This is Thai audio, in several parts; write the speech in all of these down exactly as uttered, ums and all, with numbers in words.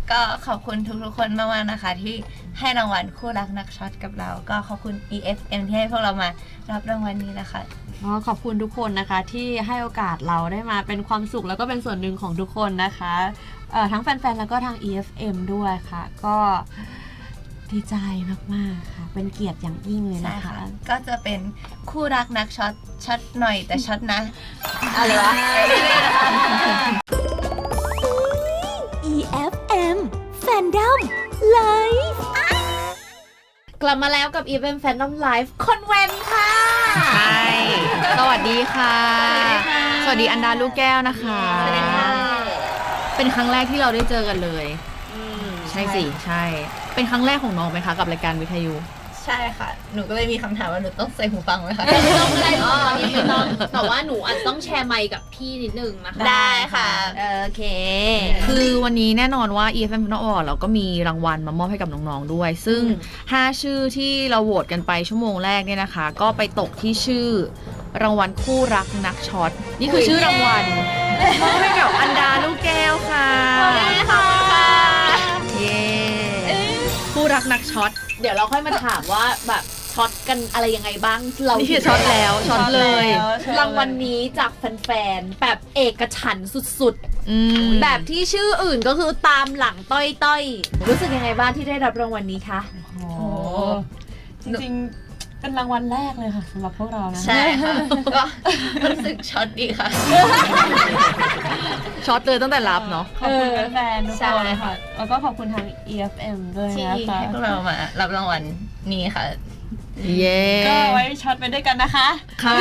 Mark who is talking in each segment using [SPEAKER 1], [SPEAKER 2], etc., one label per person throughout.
[SPEAKER 1] ก็ขอบคุณทุกๆคนมากๆนะคะที่ให้รางวัลคู่รักนักช็อตกับเราก็ขอบคุณ อี เอฟ เอ็ม ที่ให้พวกเรามารับรางวัลนี้นะคะ
[SPEAKER 2] อ๋อขอบคุณทุกคนนะคะที่ให้โอกาสเราได้มาเป็นความสุขแล้วก็เป็นส่วนหนึ่งของทุกคนนะคะเอ่อทั้งแฟนๆแล้วก็ทาง อี เอฟ เอ็ม ด้วยค่ะก็ดีใจมากๆค่ะเป็นเกียรติอย่างยิ่งเลยนะคะ
[SPEAKER 1] ก็จะเป็นคู่รักนักช็อตช็อตหน่อยแต่ช็อตนะ
[SPEAKER 2] อะไรวะ
[SPEAKER 3] อี เอฟ เอ็ม Fandom Live
[SPEAKER 4] กลับมาแล้วกับ อี เอฟ เอ็ม Fandom Live คอนเวนต์ค่ะ
[SPEAKER 5] ใช่สวัสดีค่ะสวัสดีอันดาลูกแก้วนะคะ
[SPEAKER 1] สวัสดีค่ะ
[SPEAKER 5] เป็นครั้งแรกที่เราได้เจอกันเลยใช่สิใช่เป็นครั้งแรกของน้องไหมคะกับรายการวิทยุ
[SPEAKER 1] ใช่ค่ะหนูก็เลยมีคำถามว่าหนูต้องใส่หูฟังไหมคะ
[SPEAKER 4] ไม่ต้องไม่ต้องไม่ต้องแต่ว่าหนูอาจจะต้องแชร์ไมค์กับพี่นิดนึงนะคะ
[SPEAKER 1] ได้ค่ะ
[SPEAKER 4] โอเค
[SPEAKER 5] คือวันนี้แน่นอนว่า อี เอฟ เอ็ม Fandom Award เราก็มีรางวัลมามอบให้กับน้องๆด้วยซึ่งห้าชื่อที่เราโหวตกันไปชั่วโมงแรกเนี่ยนะคะก็ไปตกที่ชื่อรางวัลคู่รักนักช็อตนี่คือชื่อรางวัลมอบให้กับอันดาลูกแก้วค่ะ
[SPEAKER 1] ขอบคุณค่ะ
[SPEAKER 5] เย้คู่รักนักช็อต
[SPEAKER 4] เดี๋ยวเราค่อยมาถามว่าแบบช็อตกันอะไรยังไงบ้างเรา
[SPEAKER 5] นี่คือช็อตแล้วช็อตเลย
[SPEAKER 4] รางวัลนี้จากแฟนๆแบบเอกฉันท์สุดๆแบบที่ชื่ออื่นก็คือตามหลังต้อยๆรู้สึกยังไงบ้างที่ได้รับรางวัลนี้คะ
[SPEAKER 2] โอ้จริงๆเป็นรางวัลแรกเลยค่ะสำหรับพวกเรานะ
[SPEAKER 1] ใช่ค่ะก็รู้สึกช็อตดีค่ะ
[SPEAKER 5] ช็อตเลยตั้งแต่รับเนาะ
[SPEAKER 2] ขอบคุณแฟนๆทุกคนค่ะแล้วก็ขอบคุณทาง อี เอฟ เอ็ม ด้วยนะคะ
[SPEAKER 1] ที่ให้พวกเรามารับรางวัลนี้ค่ะ
[SPEAKER 5] เย้
[SPEAKER 2] ก็ไว้ช็อตไปด้วยกันนะคะ
[SPEAKER 5] ค่ะ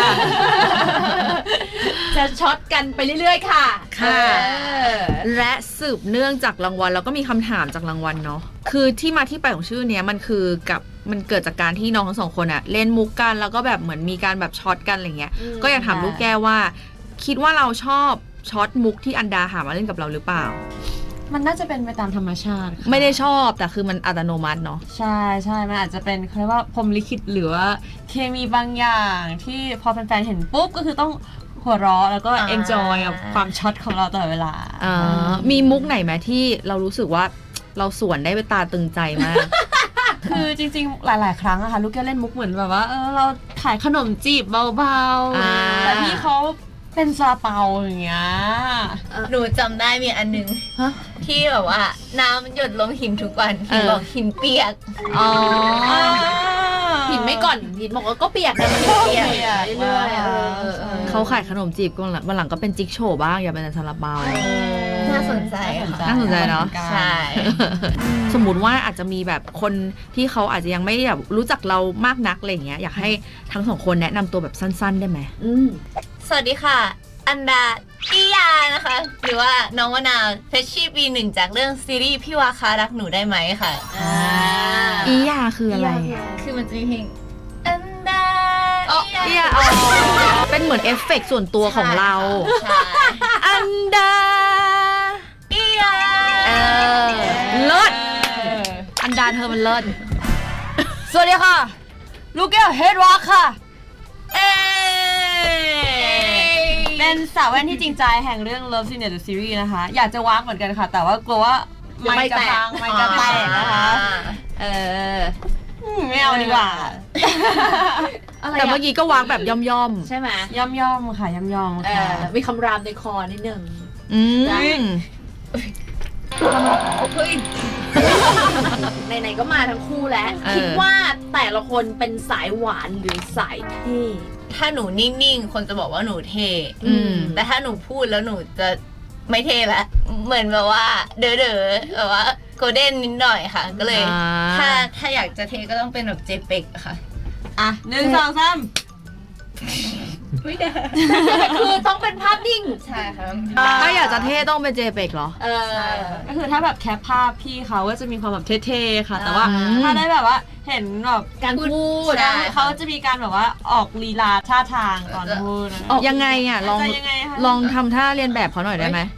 [SPEAKER 4] จะช็อตกันไปเรื่อยๆค่ะ
[SPEAKER 5] ค่ะและสืบเนื่องจากรางวัลแล้วก็มีคำถามจากรางวัลเนาะคือที่มาที่ไปของชื่อเนี้ยมันคือกับมันเกิดจากการที่น้องทั้งสองคนอะเล่นมุกกันแล้วก็แบบเหมือนมีการแบบช็อตกันอะไรเงี้ยก็อยากถามลูกแก้วว่าคิดว่าเราชอบช็อตมุกที่อันดาหามาเล่นกับเราหรือเปล่า
[SPEAKER 2] มันน่าจะเป็นไปตามธรรมชาติ
[SPEAKER 5] ไม่ได้ชอบแต่คือมันอัตโนมัติเนาะ
[SPEAKER 2] ใช่ใช่มันอาจจะเป็นเขาเรียกว่าพรหมลิขิตหรือว่าเคมีบางอย่างที่พอแฟนๆเห็นปุ๊บก็คือต้องหัวเราะแล้วก็เอนจอยกับความช็อตของเราตลอดเวลา
[SPEAKER 5] อ่ามีมุกไหนไหมที่เรารู้สึกว่าเราสวนได้ไปตาตึงใจมาก
[SPEAKER 2] คือจริงๆหลายๆครั้งอะค่ะลูกแก้วเล่นมุกเหมือนแบบว่าเออเราขายขนมจีบเบาๆแต่พี่เขาเป็นซาเปาอย่างเงี้ย
[SPEAKER 1] หนูจำได้มีอันนึงที่แบบว่าน้ำหยดลงหินทุกวันหินบอกหินเปียก
[SPEAKER 5] อ๋อ
[SPEAKER 4] หินไม่ก่อนหินบอกว่าก็เปียกแต่มันเปียกเรื่อย
[SPEAKER 5] ๆเขาขายขนมจีบกันวันหลังก็เป็นจิ๊กโชว์บ้างอย่าเป็นซาลาเปา
[SPEAKER 1] น่าสนใจ
[SPEAKER 5] น่าสนใจเนาะ
[SPEAKER 1] ใช่
[SPEAKER 5] สมมุติว่าอาจจะมีแบบคนที่เขาอาจจะยังไม่แบบรู้จักเรามากนักอะไรเงี้ยอยากให้ทั้งสองคนแนะนำตัวแบบสั้นๆได้ไหม
[SPEAKER 1] สวัสดีค่ะอันดาอียานะคะหรือว่าน้องวนาเฟชชี่ปีหนึ่งจากเรื่องซีรีส์พี่วาคารักหนูได้ไหมค่ะ
[SPEAKER 5] อียาคืออะไร
[SPEAKER 1] คือมันจะมีเพลงอันดา
[SPEAKER 5] อียาเป็นเหมือนเอฟเฟกต์ส่วนตัวของเราอันดา
[SPEAKER 1] อียา
[SPEAKER 5] เลิศอันดาเธอมันเลิศ
[SPEAKER 2] สวัสดีค่ะลูกแก้วเฮดวอล์คค่ะเป็นสาวแว่นที่จริงใจแห่งเรื่อง Love Scene the Series นะคะอยากจะวากเหมือนกันค่ะแต่ว่ากลัวว่าไม่จะพังไม่จะแตกนะคะเออไม่เอาดีกว่า
[SPEAKER 5] แต่เมื่อกี้ก็วางแบบย่อม
[SPEAKER 4] ๆใช่ไหม
[SPEAKER 2] ย่อมๆค่ะย่อมๆค่ะ
[SPEAKER 4] มีคำรามในคอนิดนึง
[SPEAKER 5] อืม
[SPEAKER 1] เฮ้ย
[SPEAKER 4] ไหนๆก็มาทั้งคู่แล้วคิดว่าแต่ละคนเป็นสายหวานหรือสายเท่
[SPEAKER 1] ถ้าหนูนิ่งๆคนจะบอกว่าหนูเท่แต่ถ้าหนูพูดแล้วหนูจะไม่เท่ละเหมือนแบบว่าเด๋อๆแบบว่าโกลเด้นนิดหน่อยค่ะก็เลยถ้าถ้าอยากจะเท่ก็ต้องเป็นแบบเจเป็กค่ะ
[SPEAKER 2] อ่ะหนึ่งสองสาม
[SPEAKER 1] ไม่ได้
[SPEAKER 4] คือต้องเป็นภาพนิ่ง
[SPEAKER 1] ใช่ค่ะ
[SPEAKER 5] ถ้าอยากจะเท่ต้องเป็นเจเป็กเหรอ
[SPEAKER 2] เออก็คือถ้าแบบแคปภาพพี่เขาก็จะมีความแบบเท่ๆค่ะแต่ว่าถ้าได้แบบว่าเห็นแบบ
[SPEAKER 4] การพูด
[SPEAKER 2] เขาจะมีการแบบว่าออกลีลาท่าทางก่อนพูด
[SPEAKER 5] ยังไงอ่ะลองลองทำท่าเรียนแบบเขาหน่อยได้ไหม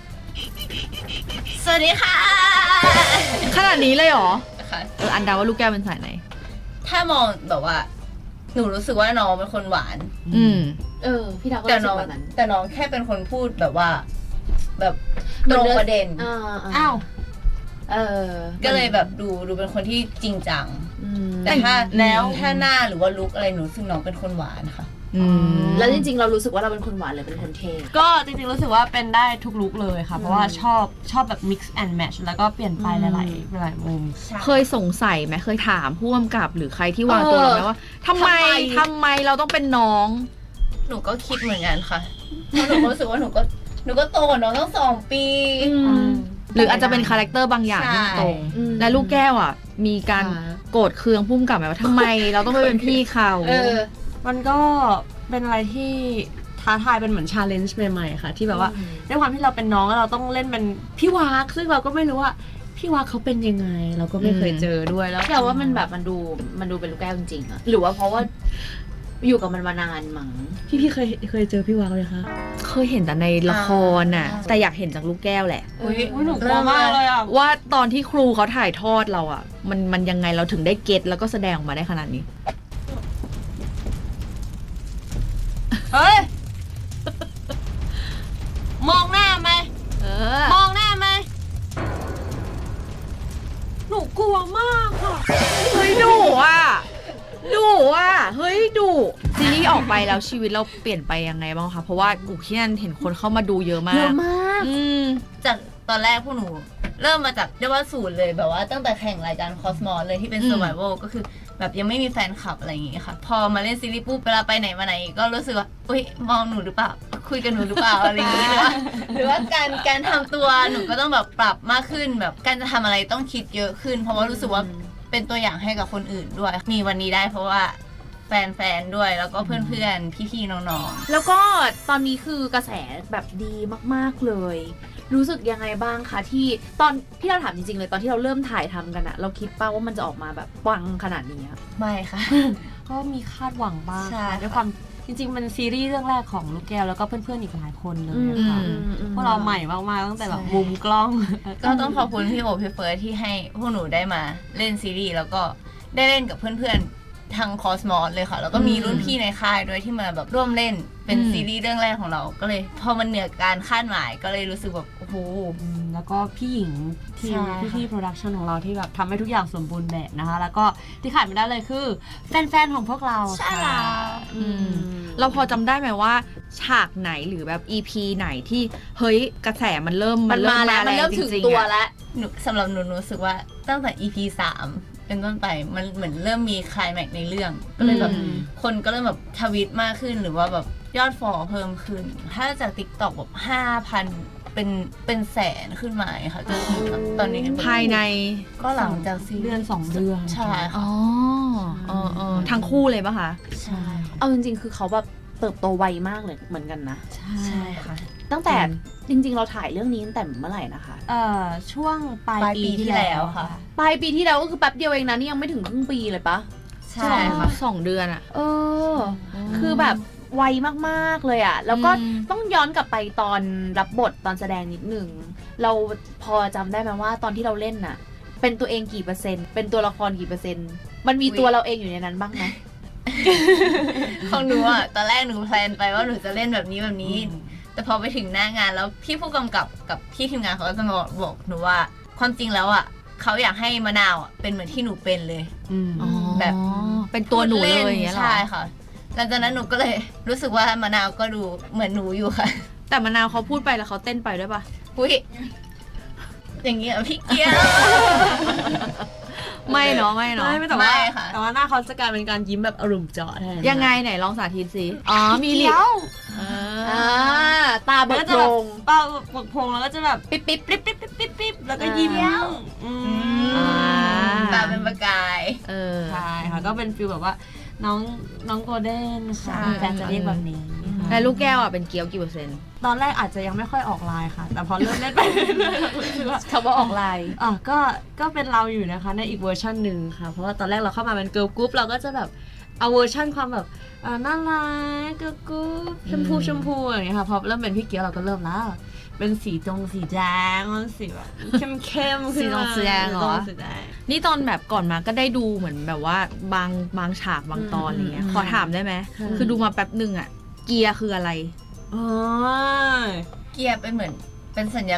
[SPEAKER 1] สวัสดีค่ะ
[SPEAKER 5] ขนาดนี้เลยเหรอเอออันดาว่าลูกแก้วเป็นสายไหน
[SPEAKER 1] ถ้ามองแบบว่าหนูรู้สึกว่าน้องเป็นคนหวาน
[SPEAKER 5] อืม
[SPEAKER 4] เออพี่ดาวก็รู้สึกแบบนั้น
[SPEAKER 1] แต่น้องแค่เป็นคนพูดแบบว่าแบบตรงประเด็น
[SPEAKER 2] อ้าว
[SPEAKER 4] เออ
[SPEAKER 1] ก็เลยแบบดูดูเป็นคนที่จริงจัง
[SPEAKER 4] อืม
[SPEAKER 1] แต่ถ้า
[SPEAKER 5] แล้ว
[SPEAKER 1] ถ้าหน้าหรือว่าลุคอะไรหนูซึ่งน้องเป็นคนหวานค่ะ
[SPEAKER 5] อืม
[SPEAKER 4] แล้วจริงๆเรารู้สึกว่าเราเป็นคนหวานหรือเป็นคนเท่
[SPEAKER 2] ก็จริงๆรู้สึกว่าเป็นได้ทุกลุคเลยค่ะ เพราะว่าชอบชอบแบบ mix and match แล้วก็เปลี่ยนไปหลายๆหลายๆมุม
[SPEAKER 5] เคยสงสัยไหมเคยถามผู้กำกับหรือใครที่วางตัวเราไหมว่าทำไมทำไมเราต้องเป็นน้อง
[SPEAKER 1] หนูก็คิดเหมือนกันค่ะเพราะหนูก็รู้สึกว่าหนูก็หนูก็โตกว่าน้องตั้งสองปี
[SPEAKER 5] หรืออาจจะเป็นคาแรคเตอร์บางอย่างที่ตรง
[SPEAKER 4] อืม
[SPEAKER 5] และลูกแก้วอ่ะ มีการ
[SPEAKER 2] อ่า
[SPEAKER 5] โกรธเคืองพุ่มกับไหมว่าทำไมเราต้องไปเป็นพี่เขา
[SPEAKER 4] เออ
[SPEAKER 2] มันก็เป็นอะไรที่ท้าทายเป็นเหมือนชาเลนจ์ใหม่ๆค่ะ ที่แบบว่า
[SPEAKER 4] อืม
[SPEAKER 2] ด้วยความที่เราเป็นน้องแล้วเราต้องเล่นเป็นพี่วากซึ่งเราก็ไม่รู้ว่าพี่วากเขาเป็นยังไง เราก็ไม่เคยเจอด้วยแล้ว
[SPEAKER 4] แต่ว่ามันแบบมันดูมันดูเป็นลูกแก้วจริงๆอะหรือว่าเพราะว่าอยู่กับมันมานานมั้ง
[SPEAKER 2] พี่พี่เคยเคยเจอพี่วากไหมคะ
[SPEAKER 5] เคยเห็นแต่ในละครน่ะ แต่อยากเห็นจากลูกแก้วแหละ
[SPEAKER 1] อุ๊ย
[SPEAKER 2] หนูกลัวมากเลยอ่ะ
[SPEAKER 5] ว่าตอนที่ครูเขาถ่ายทอดเราอ่ะ มันมันยังไงเราถึงได้เก็ตแล้วก็แสดงออกมาได้ขนาดนี้
[SPEAKER 2] เฮ้ย มองหน้าไหม
[SPEAKER 5] เออ
[SPEAKER 2] มองหน้าไหมหนูกลัวมากค่ะ
[SPEAKER 5] เฮ้ยดุอ่ะดุอ่ะเฮ้ยดุซีรีส์ออกไปแล้วชีวิตเราเปลี่ยนไปยังไงบ้างคะเพราะว่าอูที่นั่นเห็นคนเข้ามาดูเยอะมา
[SPEAKER 4] เย
[SPEAKER 5] ก
[SPEAKER 4] อะมาก
[SPEAKER 5] อืม
[SPEAKER 1] จากตอนแรกพวกหนู เริ่มมาจากเรียกว่าศูนย์เลยแบบว่าตั้งแต่แข่งรายการคอสมอสเลยที่เป็น
[SPEAKER 5] อืม
[SPEAKER 1] survival ก็คือแบบยังไม่มีแฟนคลับอะไรอย่างงี้ค่ะ พอมาเล่นซีรีส์ปุ๊บเวลาไปไหนมาไหนก็รู้สึกว่าอุ้ยมองหนูหรือเปล่าคุยกับหนูหรือเปล่าอะไรอย่างงี้หรือว่าหรือว่าการการทำตัวหนูก็ต้องแบบปรับมากขึ้นแบบการจะทำอะไรต้องคิดเยอะขึ้น เพราะว่ารู้สึกว่าเป็นตัวอย่างให้กับคนอื่นด้วย มีวันนี้ได้เพราะว่าแฟนๆด้วยแล้วก็เพื่อนๆพี่ๆน้องๆ
[SPEAKER 4] แล้วก็ตอนนี้คือกระแสแบบดีมากๆเลย รู้สึกยังไงบ้างคะที่ตอนที่เราถามจริงๆเลยตอนที่เราเริ่มถ่ายทำกันอะเราคิดป่าว่ามันจะออกมาแบบปังขนาดนี้อะ
[SPEAKER 1] ไม่ค่ะ
[SPEAKER 2] ก็มีคาดหวังบ้าง
[SPEAKER 1] ใช่
[SPEAKER 2] ค่ะ
[SPEAKER 1] ค่ะ
[SPEAKER 2] ด้วยความจริงๆมันซีรีส์เรื่องแรกของลูกแก้วแล้วก็เพื่อนๆอีกหลายคนเลย
[SPEAKER 4] อืม
[SPEAKER 2] ค่ะ
[SPEAKER 5] อืม
[SPEAKER 2] พวกเราใหม่มากๆตั้งแต่แบบ
[SPEAKER 1] ใช่
[SPEAKER 2] มุมกล้อง
[SPEAKER 1] ก็ต้องขอบคุณพี่โอพี่เฟิร์สที่ให้พวกหนูได้มาเล่นซีรีส์แล้วก็ได้เล่นกับเพื่อนๆทางคอสมอสเลยค่ะ แล้วก็มีรุ่นพี่ในค่ายด้วยที่มาแบบร่วมเล่นเป็น
[SPEAKER 5] อืม
[SPEAKER 1] ซีรีส์เรื่องแรกของเราก็เลยพอมันเหนือการคาดหมายก็เลยรู้สึกแบบโอ้โห
[SPEAKER 2] อืมแล้วก็พี่หญิงทีม
[SPEAKER 1] ใช่ค่ะ
[SPEAKER 2] พี่ๆโปรดักชันของเราที่แบบทำให้ทุกอย่างสมบูรณ์แบบนะคะ แล้วก็ที่ขาดไม่ได้เลยคือแฟนๆของพวกเรา
[SPEAKER 1] ใช่
[SPEAKER 2] ค่ะ
[SPEAKER 1] แล้ว
[SPEAKER 5] อืม เราพอจำได้ไหมว่า ฉากไหนหรือแบบ อี พี ไหนที่เฮ้ยกระแสมันเริ่ม
[SPEAKER 4] มันมาแล้วมันเริ่มถึงตัว
[SPEAKER 5] แล้ว
[SPEAKER 4] แล้ว
[SPEAKER 1] หนูสำหรับหนูหนูรู้สึกว่าตั้งแต่ อี พี สามเป็นต้นไปมันเหมือนเริ่มมีไคลแม็กซ์ในเรื่องก็เลยแบบ
[SPEAKER 2] อืม
[SPEAKER 1] คนก็เริ่มแบบทวิตมากขึ้นหรือว่าแบบยอดฟอลเพิ่มขึ้น ถ้าจาก TikTok แบบห้าพันเป็นเป็นแสนขึ้นมาอะค่ะจนถึงแบบตอนนี้
[SPEAKER 5] ภายใน
[SPEAKER 1] ก็หลังจากซีรีส์
[SPEAKER 2] เดือนสองเดือน
[SPEAKER 1] ใช่ค่ะ
[SPEAKER 5] อ๋อเออเออทั้งคู่เลยปะคะ
[SPEAKER 1] ใช่
[SPEAKER 4] เอาจริงๆ คือเขาแบบเติบโตไวมากเลยเหมือนกันนะ
[SPEAKER 2] ใช่
[SPEAKER 1] ใช่ค่ะ
[SPEAKER 4] ตั้งแต่จริง ๆ เราถ่ายเรื่องนี้ตั้งแต่เมื่อไหร่นะคะ
[SPEAKER 2] เอ่อช่วงปลาย
[SPEAKER 1] ปลายปี
[SPEAKER 2] ปี
[SPEAKER 1] ที่
[SPEAKER 2] ที่
[SPEAKER 1] แล้
[SPEAKER 2] แล้ว ว
[SPEAKER 1] ค่ะ
[SPEAKER 2] ค่ะ
[SPEAKER 4] ปลายปีที่แล้วก็คือแป๊บเดียวเองนะนี่ยังไม่ถึงครึ่งปีเลยปะ
[SPEAKER 1] ใช่ค่ะ
[SPEAKER 5] สองเดือนอะ
[SPEAKER 4] เออ คือแบบไวมากๆเลยอะแล้วก็
[SPEAKER 5] อืม
[SPEAKER 4] ต้องย้อนกลับไปตอนรับบทตอนแสดงนิดนึง เราพอจำได้ไหมว่าตอนที่เราเล่นน่ะ เป็นตัวเองกี่เปอร์เซ็นต์ เป็นตัวละครกี่เปอร์เซ็นต์ มันมี
[SPEAKER 1] อุ๊ย
[SPEAKER 4] ตัวเราเองอยู่ในนั้นบ้างไหม
[SPEAKER 1] ของหนูอ่ะตอนแรกหนูแพลนไปว่าหนูจะเล่นแบบนี้แบบนี้ แต่พอไปถึงหน้างานแล้วพี่ผู้กำกับกับพี่ทีมงานเขาก็จะมาบอกหนูว่าความจริงแล้วอ่ะเขาอยากให้มะนาวอ่ะเป็นเหมือนที่หนูเป็นเลย
[SPEAKER 2] อืม
[SPEAKER 1] แบบ
[SPEAKER 5] เป็นตัวหนูเลยอย่างเงี้ยเหรอ
[SPEAKER 1] ใช่ค่ะหลังจากนั้นหนูก็เลยรู้สึกว่ามะนาวก็ดูเหมือนหนูอยู่ค่ะ
[SPEAKER 5] แต่มะนาวเขาพูดไปแล้วเขาเต้นไปด้วยปะ
[SPEAKER 1] อุ้ยอย่างเงี้ยพี่เกียว
[SPEAKER 5] ไม่เนาะไม่เนาะ
[SPEAKER 2] ไม่แต่ว่า
[SPEAKER 1] ไม่ค่ะ
[SPEAKER 2] แต่ว่าหน้าเขาจะกลายเป็นการยิ้มแบบอารมณ์เจาะแทน
[SPEAKER 5] ยังไงไหนลองสาธิตสิอ๋อมีลิป
[SPEAKER 2] เกี้ยว
[SPEAKER 5] เอ
[SPEAKER 4] อ่า
[SPEAKER 5] อ
[SPEAKER 4] ตาเบิ
[SPEAKER 2] แล้ว
[SPEAKER 4] ก
[SPEAKER 2] ก็จะ
[SPEAKER 4] โพ
[SPEAKER 2] แบ
[SPEAKER 4] ร
[SPEAKER 2] บ
[SPEAKER 4] ง
[SPEAKER 2] เป้าปกพงแล้วก็จะแบบ
[SPEAKER 4] ปิ๊บปิ๊บปิ๊บ
[SPEAKER 2] ปิ๊บปิ๊บปิ๊บปิ๊บแล้วก็ยิ้ม
[SPEAKER 4] อ่า
[SPEAKER 2] อืม
[SPEAKER 5] อ่า
[SPEAKER 1] ตาเป็นประกาย
[SPEAKER 5] เออ
[SPEAKER 2] ใช่ค่ะก็เป็นฟิลแบบว่าน้องน้องโกลเด้น
[SPEAKER 1] ใช่
[SPEAKER 2] ค่ะแฟนจะเรียกแบบนี้
[SPEAKER 5] แล้วลูกแก้วอ่ะเป็นเกี๊ยวกี่เปอร์เซ็นต์
[SPEAKER 2] ตอนแรกอาจจะยังไม่ค่อยออกไลน์ค่ะ แต่พอเริ่มเล่นไปเรื่อยๆรู้สึกว่า
[SPEAKER 4] คำว่าออกลาย
[SPEAKER 2] อ่ะก็ก็เป็นเราอยู่นะคะในอีกเวอร์ชันหนึ่งค่ะ เพราะว่าตอนแรกเราเข้ามาเป็นเกิร์ลกรุ๊ปเราก็จะแบบเอาเวอร์ชันความแบบอ่าน่ารักเกิร์ลกรุ๊ปชมพูชมพูอย่างเงี้ยค่ะพอเริ่มเป็นพี่เกียวเราก็เริ่มแล้ว เป็นสีจงสีแดงมันสีแบบเข้มเข้มๆขึ้นมา
[SPEAKER 5] สีจงสีแดงเหรอ
[SPEAKER 2] สีจงสีแดง
[SPEAKER 5] นี่ตอนแบบก่อนมาก็ได้ดูเหมือนแบบว่าบางบางฉากบางตอนอะไรเงี้ย
[SPEAKER 2] อืม
[SPEAKER 5] ขอถามได้ไหม
[SPEAKER 2] ค่ะ
[SPEAKER 5] คือดูมาแป๊บหนึ่งอ่ะ เกียร์คืออะไร
[SPEAKER 2] อ๋อ
[SPEAKER 1] เกียร์เป็นเหมือนเป็นสัญลักษณ์ข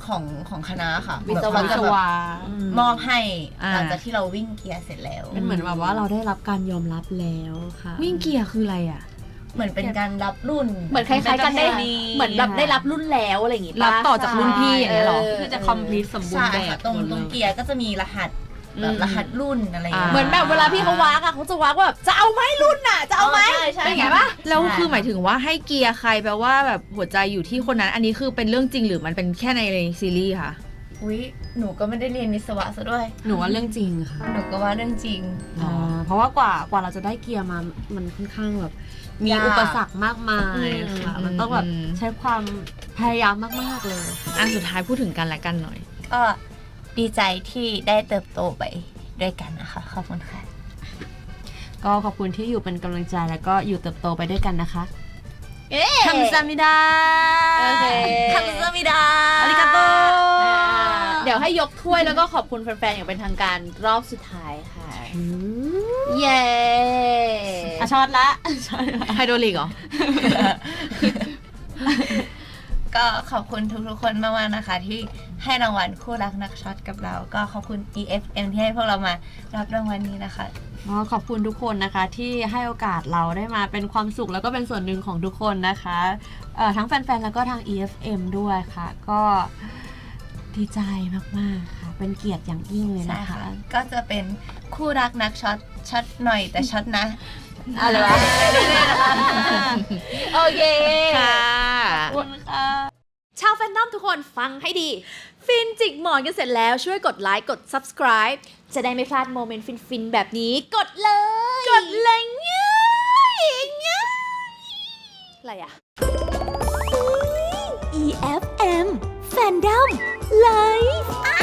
[SPEAKER 1] ของของคณะค่ะ
[SPEAKER 4] วิศ
[SPEAKER 1] แบบ
[SPEAKER 4] วะ
[SPEAKER 1] เขาจะแบบ
[SPEAKER 2] อืม
[SPEAKER 1] มอบให้
[SPEAKER 5] อ่า
[SPEAKER 1] หลังจากที่เราวิ่งเกียร์เสร็จแล้ว
[SPEAKER 2] เป็นเหมือนแบบว่าเราได้รับการยอมรับแล้วค่ะ
[SPEAKER 5] วิ่งเกียร์คืออะไรอ่ะ
[SPEAKER 1] เหมือนเป็นการรับรุ่น
[SPEAKER 4] เหมือนคล้ายๆกันได้
[SPEAKER 2] เป็นประเพณี
[SPEAKER 4] เหมือนแบบได้รับรุ่นแล้วอะไรอย่างงี้ปะ
[SPEAKER 5] รับต่อจากรุ่นพี่อย่างเงี้ยเหรอ
[SPEAKER 2] คือจะ complete สมบูร
[SPEAKER 1] ใช่
[SPEAKER 2] ณ์แบบ
[SPEAKER 1] ค่ะตรง
[SPEAKER 2] หมด
[SPEAKER 1] ตรง
[SPEAKER 2] เลย
[SPEAKER 1] เกียร์ก็จะมีรหัสแบบรหัสรุ่นอะไรอย่างเงี้ย
[SPEAKER 4] เหมือนแบบเวลาพี่เขาวากอะเขาจะวากว่าแบบจะเอาไหมรุ่นน่ะจะเอาไหม
[SPEAKER 1] ใช่ใช่
[SPEAKER 4] เป็นไงปะ
[SPEAKER 5] แล้วคือหมายถึงว่าให้เกียร์ใครแปลว่าแบบหัวใจอยู่ที่คนนั้น อันนี้คือเป็นเรื่องจริงหรือมันเป็นแค่ในซีรีส์คะ
[SPEAKER 1] อุ้ยหนูก็ไม่ได้เรียนวิศวะซะด้วย
[SPEAKER 2] หนูว่าเรื่องจริงค่ะ
[SPEAKER 1] หนูก็ว่าเรื่องจริง
[SPEAKER 2] อ่าเพราะว่ากว่ากว่าเราจะได้เกียร์มา มันค่อนข้างแบบมี
[SPEAKER 1] ยาก
[SPEAKER 2] อุปสรรคมากมายค่ะ
[SPEAKER 5] อืม
[SPEAKER 2] มันต้องแบบ
[SPEAKER 5] อืม
[SPEAKER 2] ใช้ความพยายามมาก ๆ เลย
[SPEAKER 5] อ่ะสุดท้ายพูดถึงกันและกันหน่อย
[SPEAKER 1] ก็ดีใจที่ได้เติบโตไปด้วยกันนะคะขอบคุณค่ะ
[SPEAKER 2] ก็ขอบคุณที่อยู่เป็นกำลังใจแล้วก็อยู่เติบโตไปด้วยกันนะคะ
[SPEAKER 1] เอ๊ะ
[SPEAKER 2] คัมซามิดา
[SPEAKER 4] โอเค
[SPEAKER 1] คำสมิดา
[SPEAKER 2] อาริกาโต
[SPEAKER 4] อ่าเดี๋ยวให้ยกถ้วยแล้วก็ขอบคุณแฟนๆอย่างเป็นทางการรอบสุดท้ายค่ะ
[SPEAKER 2] อืม
[SPEAKER 4] เย้
[SPEAKER 2] อ่ะช็อตละช็อตละ
[SPEAKER 5] ไฮโดรลิกเหรอ
[SPEAKER 1] ก็ขอบคุณทุกๆคนมากๆนะคะ ที่ให้รางวัลคู่รักนักช็อตกับเรา ก็ขอบคุณ อี เอฟ เอ็ม ที่ให้พวกเรามารับรางวัลนี้นะคะ
[SPEAKER 2] ก็ขอบคุณทุกคนนะคะที่ให้โอกาสเราได้มาเป็นความสุขแล้วก็เป็นส่วนหนึ่งของทุกคนนะคะเอ่อทั้งแฟนๆแล้วก็ทาง อี เอฟ เอ็ม ด้วยค่ะ ก็ดีใจมากๆค่ะ เป็นเกียรติอย่างยิ่งเลย
[SPEAKER 1] ใช่
[SPEAKER 2] นะคะ
[SPEAKER 1] ค่ะ ก็จะเป็นคู่รักนักช็อตช็อตหน่อยแต่ช็อตนะ
[SPEAKER 2] อะไรวะ
[SPEAKER 4] โอเค
[SPEAKER 5] ค่ะ
[SPEAKER 2] ขอบคุณค่ะ
[SPEAKER 4] ชาวแฟนนอมทุกคนฟังให้ดี ฟินจิกหมอนกันเสร็จแล้วช่วยกดไลค์กด subscribe จะได้ไม่พลาดโมเมนต์ฟินๆ แบบนี้ กดเลย กดเลยง่ายง่ายอะไรอะ
[SPEAKER 3] อี เอฟ เอ็ม Fandom Live